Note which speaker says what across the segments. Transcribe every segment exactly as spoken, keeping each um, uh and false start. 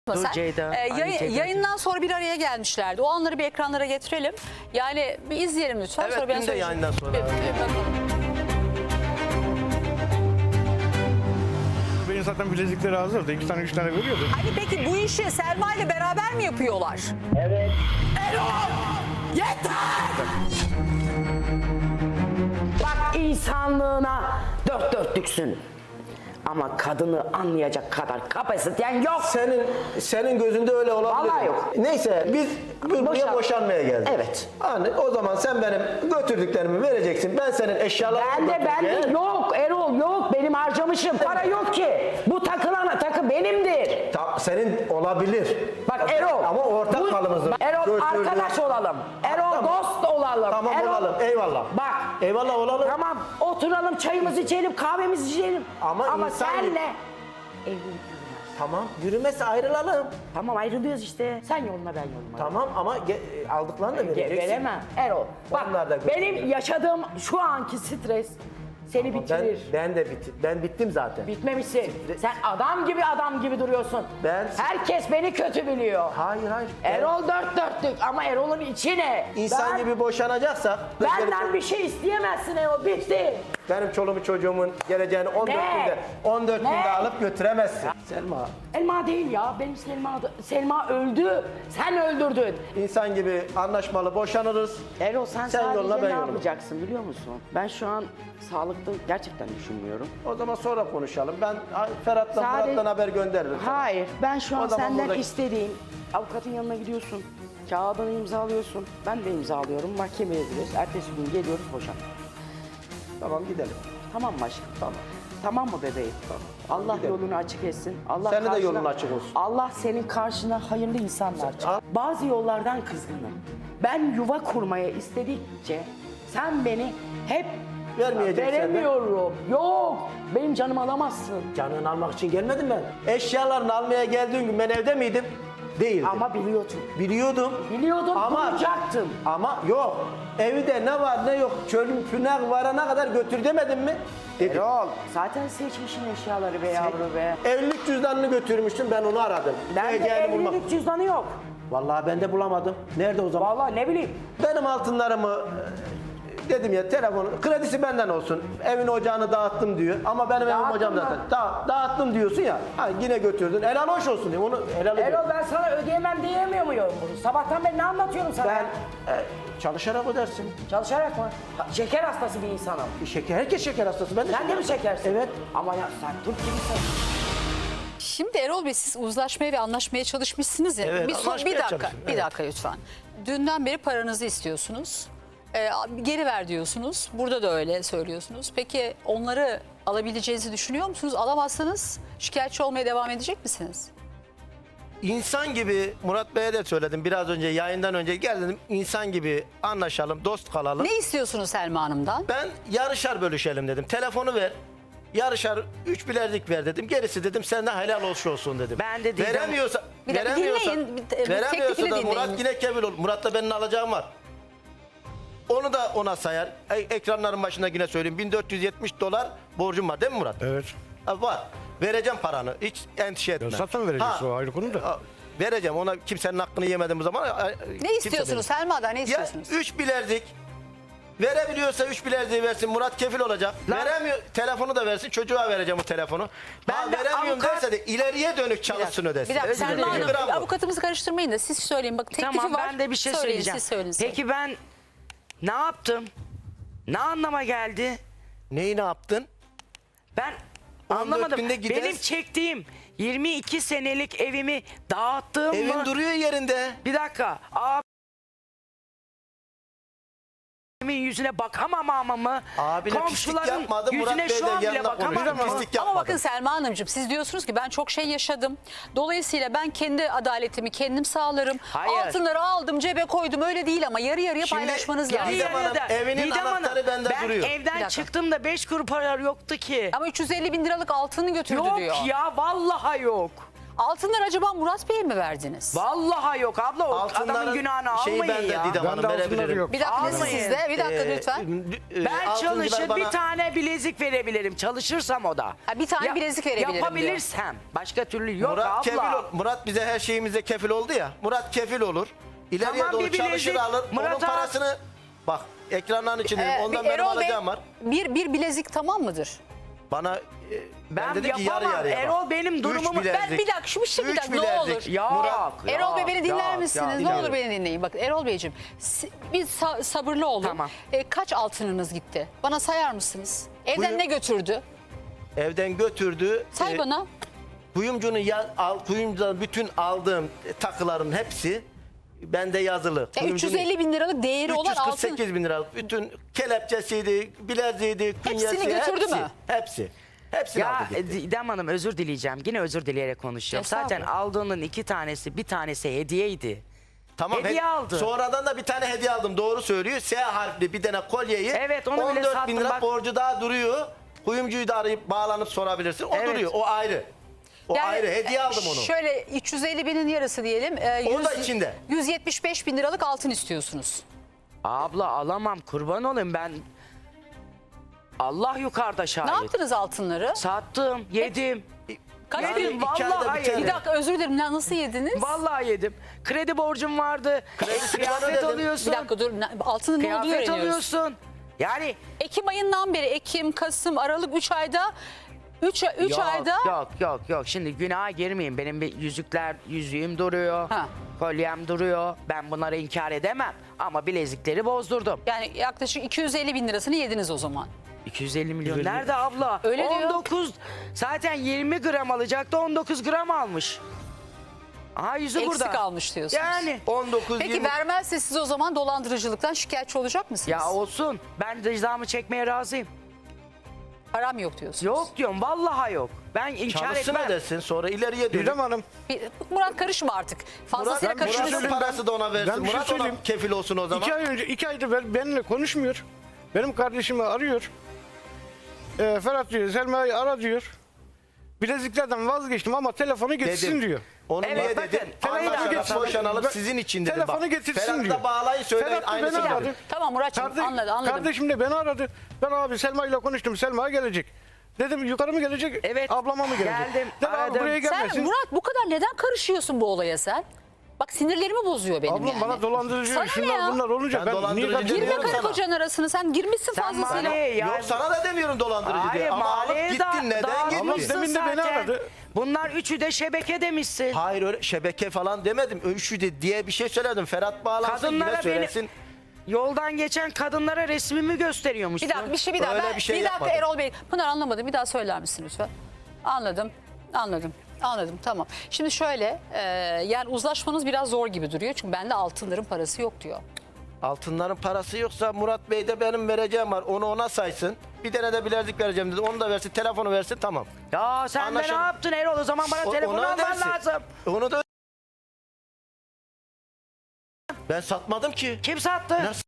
Speaker 1: Dur
Speaker 2: Sen,
Speaker 1: Ceyda,
Speaker 2: e,
Speaker 1: aynı
Speaker 2: yayın-
Speaker 1: Ceyda.
Speaker 2: yayından sonra bir araya gelmişlerdi. O anları bir ekranlara getirelim. Yani bir izleyelim lütfen.
Speaker 3: Evet,
Speaker 2: sonra ben
Speaker 3: dün de
Speaker 2: söyleyeceğim.
Speaker 3: yayından sonra.
Speaker 2: Bir- bir bakalım.
Speaker 4: Benim zaten bilezikleri hazırdı. İki tane üç tane veriyordu.
Speaker 2: Hani peki bu işi Selma ile beraber mi yapıyorlar?
Speaker 5: Evet.
Speaker 1: Bak insanlığına dört dörtlüksün. Ama kadını anlayacak kadar kapasiten yok.
Speaker 3: Senin senin gözünde öyle olabilir.
Speaker 1: Vallahi yok.
Speaker 3: Neyse biz bu- buraya
Speaker 1: Boşan-
Speaker 3: boşanmaya geldik.
Speaker 1: Evet.
Speaker 3: Hani o zaman sen benim götürdüklerimi vereceksin. Ben senin eşyalarını
Speaker 1: Ben de ben de
Speaker 3: götüreceğim.
Speaker 1: yok Erol yok benim harcamışım. Para yok ki. Bu takılan takı benimdir.
Speaker 3: Ta- senin olabilir.
Speaker 1: Bak Erol.
Speaker 3: Ama ortak
Speaker 1: bu-
Speaker 3: malımızdır.
Speaker 1: Bak, Erol
Speaker 3: Götürdüm.
Speaker 1: arkadaş olalım. Erol
Speaker 3: Tamam.
Speaker 1: dost olalım.
Speaker 3: Tamam
Speaker 1: Erol,
Speaker 3: olalım. Eyvallah.
Speaker 1: Bak.
Speaker 3: Eyvallah olalım.
Speaker 1: Tamam oturalım çayımızı içelim kahvemizi içelim.
Speaker 3: Ama
Speaker 1: Ama
Speaker 3: insan-
Speaker 1: senle evlilik yürümez.
Speaker 3: Tamam. Yürümezse ayrılalım.
Speaker 1: Tamam ayrılıyoruz işte. Sen yoluna ben yoluma.
Speaker 3: Tamam ama ge- aldıklarını da
Speaker 1: Ge-
Speaker 3: vereceksin.
Speaker 1: Veremem Erol. Bak
Speaker 3: Onlar da
Speaker 1: benim yaşadığım şu anki stres seni
Speaker 3: Ama
Speaker 1: bitirir.
Speaker 3: Ben, ben de bit ben bittim zaten.
Speaker 1: Bitmemişsin. Sen adam gibi adam gibi duruyorsun.
Speaker 3: Ben-
Speaker 1: Herkes beni kötü biliyor.
Speaker 3: Hayır hayır. Ben-
Speaker 1: Erol dört dörtlük ama Erol'un içi ne?
Speaker 3: İnsan
Speaker 1: Ben-
Speaker 3: gibi boşanacaksak
Speaker 1: Benden bir şey isteyemezsin Erol. Bitti.
Speaker 3: benim çoluğumu çocuğumun geleceğini on dört
Speaker 1: Ne?
Speaker 3: günde on dört
Speaker 1: Ne?
Speaker 3: günde alıp götüremezsin. Selma,
Speaker 1: Elma değil ya. Benim Selma, Selma öldü. Sen öldürdün.
Speaker 3: insan gibi anlaşmalı boşanırız.
Speaker 1: Erol sen,
Speaker 3: Sen
Speaker 1: sadece
Speaker 3: yoluna, ben
Speaker 1: ne
Speaker 3: yoluma.
Speaker 1: yapacaksın biliyor musun? Ben şu an sağlıklı gerçekten düşünmüyorum.
Speaker 3: O zaman sonra konuşalım. Ben Ferhat'tan
Speaker 1: Sadece-
Speaker 3: Murat'tan haber gönderirim.
Speaker 1: Hayır, ben şu an
Speaker 3: O zaman
Speaker 1: senden
Speaker 3: burada-
Speaker 1: istediğim avukatın yanına gidiyorsun. Kağıdını imzalıyorsun. Ben de imzalıyorum. Mahkemeye gidiyoruz. Ertesi gün geliyoruz boşan.
Speaker 3: Tamam gidelim.
Speaker 1: Tamam mı aşkım?
Speaker 3: Tamam.
Speaker 1: Tamam mı bebeğim?
Speaker 3: Tamam,
Speaker 1: Allah
Speaker 3: gidelim.
Speaker 1: yolunu açık etsin. Allah
Speaker 3: Senin de
Speaker 1: karşına-
Speaker 3: yolun açık olsun.
Speaker 1: Allah senin karşına hayırlı insanlar çıkar.
Speaker 3: Al.
Speaker 1: Bazı yollardan kızgınım. Ben yuva kurmaya istedikçe sen beni hep
Speaker 3: Vermeyeceksin de.
Speaker 1: veremiyorum. Yok. Benim canımı alamazsın.
Speaker 3: Canını almak için gelmedim ben. Eşyalarını almaya geldiğin gün ben evde miydim? Değildim.
Speaker 1: Ama biliyordum.
Speaker 3: Biliyordum.
Speaker 1: Biliyordum,
Speaker 3: Ama
Speaker 1: bulacaktım.
Speaker 3: Ama yok. Evde ne var ne yok. Çölün pünek varana kadar götür demedim mi? Dedim.
Speaker 1: Erol, zaten seçmişsin eşyaları be yavru be.
Speaker 3: Evlilik cüzdanını götürmüştüm, ben onu aradım.
Speaker 1: Bende
Speaker 3: Geleceğini bulmak.
Speaker 1: evlilik cüzdanı yok.
Speaker 3: Vallahi ben de bulamadım. Nerede o zaman?
Speaker 1: Vallahi ne bileyim.
Speaker 3: Benim altınlarımı e, dedim ya, telefonu kredisi benden olsun. Evin ocağını dağıttım diyor. Ama benim evim
Speaker 1: Dağıttın
Speaker 3: ocağım
Speaker 1: mı?
Speaker 3: zaten. Da, dağıttım diyorsun ya. Ha, yine götürdün. Helal hoş olsun diyor. Onu helal ediyorum.
Speaker 1: Erol ben sana ödeyemem diyemiyor muyum bunu? Sabahtan beri ne anlatıyorum sana?
Speaker 3: Ben e, çalışarak ödersin.
Speaker 1: Çalışarak mı? Ha, şeker hastası bir insanım.
Speaker 3: Şeker, herkes şeker hastası. Ben de
Speaker 1: Sen de mi şekersin?
Speaker 3: Evet.
Speaker 1: Ama ya sen Türk gibisin.
Speaker 2: Şimdi Erol Bey siz uzlaşmaya ve anlaşmaya çalışmışsınız ya.
Speaker 3: Evet,
Speaker 2: bir, so-
Speaker 3: anlaşmaya
Speaker 2: bir dakika,
Speaker 3: çalıştım,
Speaker 2: bir
Speaker 3: evet.
Speaker 2: dakika lütfen. Dünden beri paranızı istiyorsunuz. Ee, geri ver diyorsunuz. Burada da öyle söylüyorsunuz. Peki onları alabileceğinizi düşünüyor musunuz? Alamazsanız şikayetçi olmaya devam edecek misiniz?
Speaker 3: İnsan gibi, Murat Bey'e de söyledim biraz önce, yayından önce gel dedim, insan gibi anlaşalım, dost kalalım.
Speaker 2: Ne istiyorsunuz Selma Hanım'dan?
Speaker 3: Ben yarışar bölüşelim dedim. Telefonu ver. Yarışar üç bilezik ver dedim. Gerisi dedim senden helal olsun olsun dedim.
Speaker 1: Ben de dedim-
Speaker 3: Veremiyorsa,
Speaker 2: Bir dakika
Speaker 3: veremiyorsa,
Speaker 2: dinleyin, bir- bir
Speaker 3: veremiyorsa
Speaker 2: teklifini
Speaker 3: da
Speaker 2: dinleyin.
Speaker 3: Murat yine kefil olur. Murat'la benim alacağım var. Onu da ona sayar. E, ekranların başında yine söyleyeyim. bin dört yüz yetmiş dolar borcum var değil mi Murat?
Speaker 4: Evet.
Speaker 3: Ha, var. Vereceğim paranı. Hiç endişe etme.
Speaker 4: Ya zaten vereceksin,
Speaker 3: Ha,
Speaker 4: o ayrı konu da.
Speaker 3: ha, Vereceğim. Ona kimsenin hakkını yemedim bu zaman.
Speaker 2: Ne istiyorsunuz Selma'dan ne
Speaker 3: Ya
Speaker 2: istiyorsunuz?
Speaker 3: üç bilezik verebiliyorsa üç bileziği versin, Murat kefil olacak. Veremiyor, telefonu da versin, çocuğa vereceğim o telefonu.
Speaker 1: Ben
Speaker 3: Ha,
Speaker 1: de
Speaker 3: veremiyorum
Speaker 1: avukat-
Speaker 3: derse de ileriye dönük çalışsın ödesin.
Speaker 2: Bir dakika
Speaker 3: Özür
Speaker 2: Selma
Speaker 3: dilerim.
Speaker 2: Hanım
Speaker 3: Bravo.
Speaker 2: avukatımızı karıştırmayın da siz söyleyin. Bak teklifi
Speaker 6: Tamam
Speaker 2: var.
Speaker 6: ben de bir şey
Speaker 2: Söyleyin,
Speaker 6: söyleyeceğim.
Speaker 2: Siz söyleyin. söyleyin.
Speaker 6: Peki ben ne yaptım? Ne anlama geldi?
Speaker 3: Neyi ne yaptın?
Speaker 6: Ben
Speaker 3: on dört
Speaker 6: anlamadım.
Speaker 3: günde gideriz.
Speaker 6: Benim çektiğim yirmi iki senelik evimi dağıttığım
Speaker 3: Evin
Speaker 6: mı?
Speaker 3: duruyor yerinde.
Speaker 6: Bir dakika. Abimin yüzüne bakamamamı mı?
Speaker 3: Abine pislik yapmadı, Murat
Speaker 6: yüzüne
Speaker 3: Bey
Speaker 6: şu
Speaker 3: de
Speaker 6: an bile
Speaker 3: yanına konuştu.
Speaker 6: bakamam.
Speaker 3: Pislik
Speaker 2: Ama
Speaker 3: yapmadı.
Speaker 2: bakın Selma Hanımcığım siz diyorsunuz ki ben çok şey yaşadım. Dolayısıyla ben kendi adaletimi kendim sağlarım.
Speaker 6: Hayır.
Speaker 2: Altınları aldım cebe koydum öyle değil ama yarı yarıya
Speaker 3: Şimdi
Speaker 2: paylaşmanız
Speaker 3: yarı
Speaker 2: lazım.
Speaker 3: Didem Hanım,
Speaker 6: Yarıda-
Speaker 3: evinin
Speaker 6: Didem Hanım,
Speaker 3: anahtarı bende
Speaker 6: ben
Speaker 3: duruyor.
Speaker 2: Bir
Speaker 6: evden
Speaker 2: dakika.
Speaker 6: çıktığımda beş kuruş para yoktu ki.
Speaker 2: Ama üç yüz elli bin liralık altını götürdü
Speaker 6: Yok
Speaker 2: diyor.
Speaker 6: ya vallahi yok.
Speaker 2: Altınları acaba Murat Bey'e mi verdiniz?
Speaker 6: Vallahi yok abla, o
Speaker 3: Altınların
Speaker 6: adamın günahını
Speaker 3: şeyi
Speaker 6: almayın
Speaker 3: bende
Speaker 6: ya.
Speaker 3: Didem Hanım,
Speaker 4: Bende altınları
Speaker 3: verebilirim.
Speaker 4: yok.
Speaker 2: Bir dakika
Speaker 6: Almayın.
Speaker 2: sizde. Bir dakika
Speaker 3: Ee,
Speaker 2: lütfen.
Speaker 3: e,
Speaker 6: Ben
Speaker 3: altıncılar
Speaker 6: çalışır
Speaker 3: bana-
Speaker 6: bir tane bilezik verebilirim. Çalışırsam o da.
Speaker 2: Ha, bir tane bilezik verebilirim diyor.
Speaker 6: Yapabilirsem. Başka türlü yok
Speaker 3: Murat
Speaker 6: abla.
Speaker 3: kefil ol- Murat bize her şeyimize kefil oldu ya. Murat kefil olur. İleriye
Speaker 6: Tamam,
Speaker 3: doğru
Speaker 6: bir bilezik.
Speaker 3: çalışır alır.
Speaker 6: Murat
Speaker 3: Onun
Speaker 6: abi-
Speaker 3: parasını bak ekranların içinde
Speaker 2: Ee,
Speaker 3: ondan
Speaker 2: bir
Speaker 3: benim
Speaker 2: Erol Bey,
Speaker 3: alacağım var.
Speaker 2: Bir, bir bilezik tamam mıdır?
Speaker 3: Bana e, ben,
Speaker 6: Ben
Speaker 3: dedim ki yarı
Speaker 6: yapamam.
Speaker 3: yarıya bak.
Speaker 6: Erol benim
Speaker 3: Üç
Speaker 6: durumumu- Ben
Speaker 3: bilezik,
Speaker 2: Ben bir dakika şu bir şey bir
Speaker 3: üç
Speaker 2: dakika ne
Speaker 3: bilezik.
Speaker 2: olur.
Speaker 6: Yok.
Speaker 3: Murat,
Speaker 2: Erol Bey beni dinler
Speaker 6: yok,
Speaker 2: misiniz?
Speaker 6: yok,
Speaker 2: Ne
Speaker 6: yok.
Speaker 2: olur beni dinleyin. Bakın Erol Beyciğim si- bir sa- sabırlı olun.
Speaker 6: Tamam.
Speaker 2: E, kaç altınınız gitti? Bana sayar mısınız? Evden
Speaker 3: Buyurun.
Speaker 2: ne götürdü?
Speaker 3: evden götürdü.
Speaker 2: Say
Speaker 3: E,
Speaker 2: bana.
Speaker 3: Kuyumcunun ya, al, kuyumcudan bütün aldığım e, takıların hepsi bende yazılı.
Speaker 2: Ya
Speaker 3: Kuyumcunun-
Speaker 2: üç yüz elli bin liralık değeri olan
Speaker 3: üç yüz kırk
Speaker 2: altın.
Speaker 3: sekiz bin liralık bütün kelepçesiydi, bileziğiydi, künyesi,
Speaker 2: götürdü
Speaker 3: hepsi,
Speaker 2: mü?
Speaker 3: Hepsi. Hepsini
Speaker 6: Ya
Speaker 3: aldı gitti.
Speaker 6: Didem Hanım, özür dileyeceğim. Yine özür dileyerek konuşuyorum. Zaten
Speaker 2: Estağfurullah.
Speaker 6: aldığının iki tanesi, bir tanesi hediyeydi.
Speaker 3: Tamam,
Speaker 6: hediye
Speaker 3: he-
Speaker 6: aldı.
Speaker 3: Sonradan da bir tane hediye aldım. Doğru söylüyor. S harfli bir tane kolyeyi.
Speaker 6: Evet, onu bile
Speaker 3: on dört bin
Speaker 6: sattım,
Speaker 3: lira
Speaker 6: bak.
Speaker 3: borcu daha duruyor. Kuyumcuyu da arayıp bağlanıp sorabilirsin. O
Speaker 6: Evet.
Speaker 3: duruyor. O ayrı. O
Speaker 2: Yani,
Speaker 3: ayrı. Hediye aldım onu.
Speaker 2: Şöyle üç yüz elli binin yarısı diyelim. E,
Speaker 3: O da
Speaker 2: yüz-
Speaker 3: içinde.
Speaker 2: yüz yetmiş beş bin liralık altın istiyorsunuz.
Speaker 6: Abla alamam, kurban olayım ben. Allah yukarıda şahit.
Speaker 2: Ne yaptınız altınları?
Speaker 6: Sattım, yedim.
Speaker 2: Kaç
Speaker 3: Yani
Speaker 2: bin?
Speaker 3: iki
Speaker 6: Vallahi
Speaker 3: ayda bir
Speaker 6: hayır.
Speaker 3: tane.
Speaker 2: Bir dakika özür dilerim. Na- Nasıl yediniz?
Speaker 6: Vallahi yedim. Kredi borcum vardı.
Speaker 3: Kredisini bana
Speaker 6: Kıyafet
Speaker 3: ödedim.
Speaker 6: alıyorsun.
Speaker 2: Bir dakika dur. Na- Altının ne olduğunu
Speaker 6: Kıyafet
Speaker 2: öğreniyoruz.
Speaker 6: alıyorsun. Yani
Speaker 2: Ekim ayından beri Ekim, Kasım, Aralık üç ayda üç üç
Speaker 6: yok,
Speaker 2: ayda
Speaker 6: yok yok yok. Şimdi günaha girmeyeyim. Benim bir yüzükler, yüzüğüm duruyor.
Speaker 2: Ha.
Speaker 6: Kolyem duruyor. Ben bunları inkar edemem. Ama bilezikleri bozdurdum.
Speaker 2: yani yaklaşık iki yüz elli bin lirasını yediniz o zaman.
Speaker 6: iki yüz elli milyon nerede abla?
Speaker 2: Öyle diyor.
Speaker 6: on dokuz zaten yirmi gram alacaktı, on dokuz gram almış. Aha yüzü
Speaker 2: Eksik
Speaker 6: burada.
Speaker 2: almış diyorsunuz.
Speaker 6: Yani
Speaker 3: on dokuz
Speaker 2: Peki
Speaker 3: yirmi
Speaker 2: vermezse siz o zaman dolandırıcılıktan şikayetçi olacak mısınız?
Speaker 6: ya olsun. Ben cezamı çekmeye razıyım.
Speaker 2: Param yok diyorsunuz.
Speaker 6: Yok diyorum, vallahi yok. Ben inkar
Speaker 3: çalışsın
Speaker 6: etmem.
Speaker 3: ödesin. Sonra ileriye dönüp.
Speaker 4: Didem Hanım,
Speaker 2: Bir- Murat karışma artık. Fazlasıyla
Speaker 3: Murat,
Speaker 2: karışmasın.
Speaker 3: Murat'ın parası da ona versin.
Speaker 4: Ben bir şey
Speaker 3: Murat ona
Speaker 4: söyleyeyim.
Speaker 3: kefil olsun o zaman.
Speaker 4: iki ay önce, iki aydır ben- benimle konuşmuyor. Benim kardeşimi arıyor. Ee, Ferhat diyor, Selma'yı ara diyor. Bileziklerden vazgeçtim ama telefonu getirsin
Speaker 3: Dedim.
Speaker 4: diyor.
Speaker 3: Onu
Speaker 6: Evet,
Speaker 3: niye
Speaker 6: bakın,
Speaker 3: dedim?
Speaker 6: telefonu
Speaker 3: Anlaşarak
Speaker 4: getirsin.
Speaker 3: boşanalım
Speaker 4: Ben-
Speaker 3: sizin için dedim.
Speaker 4: telefonu
Speaker 3: Bak,
Speaker 4: getirsin
Speaker 3: Ferhat'ı
Speaker 4: diyor.
Speaker 3: da bağlayın söyleyin
Speaker 4: Ferhat da beni
Speaker 3: aynısını
Speaker 4: aradı.
Speaker 3: dedim.
Speaker 2: Tamam Muratçım
Speaker 4: Kardeş-
Speaker 2: anladım anladım.
Speaker 4: Kardeşim de beni aradı. Ben abi Selma ile konuştum. Selma gelecek. Dedim yukarı mı gelecek?
Speaker 6: Evet,
Speaker 4: Ablama mı gelecek?
Speaker 6: geldim,
Speaker 4: Dedi abi
Speaker 6: aradım.
Speaker 4: buraya
Speaker 2: Sen
Speaker 4: gelmesin.
Speaker 2: Murat bu kadar neden karışıyorsun bu olaya sen? Bak sinirlerimi bozuyor benim
Speaker 4: Ablam
Speaker 2: yani.
Speaker 4: bana dolandırıcı
Speaker 2: Sana ne
Speaker 4: şunlar
Speaker 2: ya?
Speaker 4: bunlar olunca
Speaker 3: Ben
Speaker 4: ben, niye
Speaker 3: dolandırıcı
Speaker 4: karışıyorum?
Speaker 2: Girme
Speaker 3: Demiyorum
Speaker 2: karı
Speaker 3: sana.
Speaker 2: kocanın arasına sen girmişsin
Speaker 6: Sen
Speaker 2: fazlasıyla.
Speaker 6: bana ya.
Speaker 3: Yok sana da demiyorum dolandırıcı diye.
Speaker 6: Hayır,
Speaker 3: Ama alıp
Speaker 6: mahalleye
Speaker 3: gittin
Speaker 6: da-
Speaker 3: neden
Speaker 6: dağıtmışsın
Speaker 3: gittin?
Speaker 4: Demin de beni
Speaker 6: zaten.
Speaker 4: aradı.
Speaker 6: Bunlar üçü de şebeke demişsin.
Speaker 3: Hayır öyle şebeke falan demedim. Üçü de diye bir şey söyledim. Ferhat bağlansın yine
Speaker 6: Kadınlara
Speaker 3: söylesin.
Speaker 6: beni, yoldan geçen kadınlara resmimi gösteriyormuşsun.
Speaker 2: Bir dakika bir şey bir daha.
Speaker 3: Öyle
Speaker 2: Ben,
Speaker 3: bir şey
Speaker 2: bir dakika
Speaker 3: yapmadım.
Speaker 2: Erol Bey. Pınar anlamadım. Bir daha söyler misin lütfen? Anladım. Anladım. Anladım tamam. Şimdi şöyle e, yani uzlaşmanız biraz zor gibi duruyor. Çünkü bende altınların parası yok diyor.
Speaker 3: Altınların parası yoksa Murat Bey de benim vereceğim var. Onu ona saysın. Bir tane de bilezik vereceğim dedi. Onu da versin, telefonu versin tamam.
Speaker 6: Ya sen de
Speaker 3: Anlaşıldı.
Speaker 6: ne yaptın Erol? O zaman bana
Speaker 3: O-
Speaker 6: telefonu
Speaker 3: ona
Speaker 6: alman
Speaker 3: ödersin.
Speaker 6: lazım.
Speaker 3: Onu da ben satmadım ki.
Speaker 6: Kim sattı?
Speaker 3: Nasıl?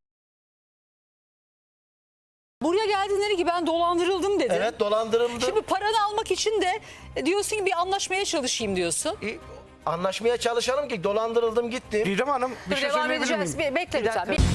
Speaker 2: Buraya geldin dedi ki ben dolandırıldım dedi.
Speaker 3: Evet dolandırıldı.
Speaker 2: Şimdi paranı almak için de e, diyorsun ki bir anlaşmaya çalışayım diyorsun.
Speaker 3: E, Anlaşmaya çalışalım ki dolandırıldım gittim.
Speaker 4: Didem Hanım bir
Speaker 2: Dur,
Speaker 4: şey
Speaker 2: devam
Speaker 4: söyleyebilir
Speaker 2: edeceğiz.
Speaker 4: miyim?
Speaker 2: Bir, bekle
Speaker 6: Bir
Speaker 2: lütfen.
Speaker 6: dakika.
Speaker 2: Bir-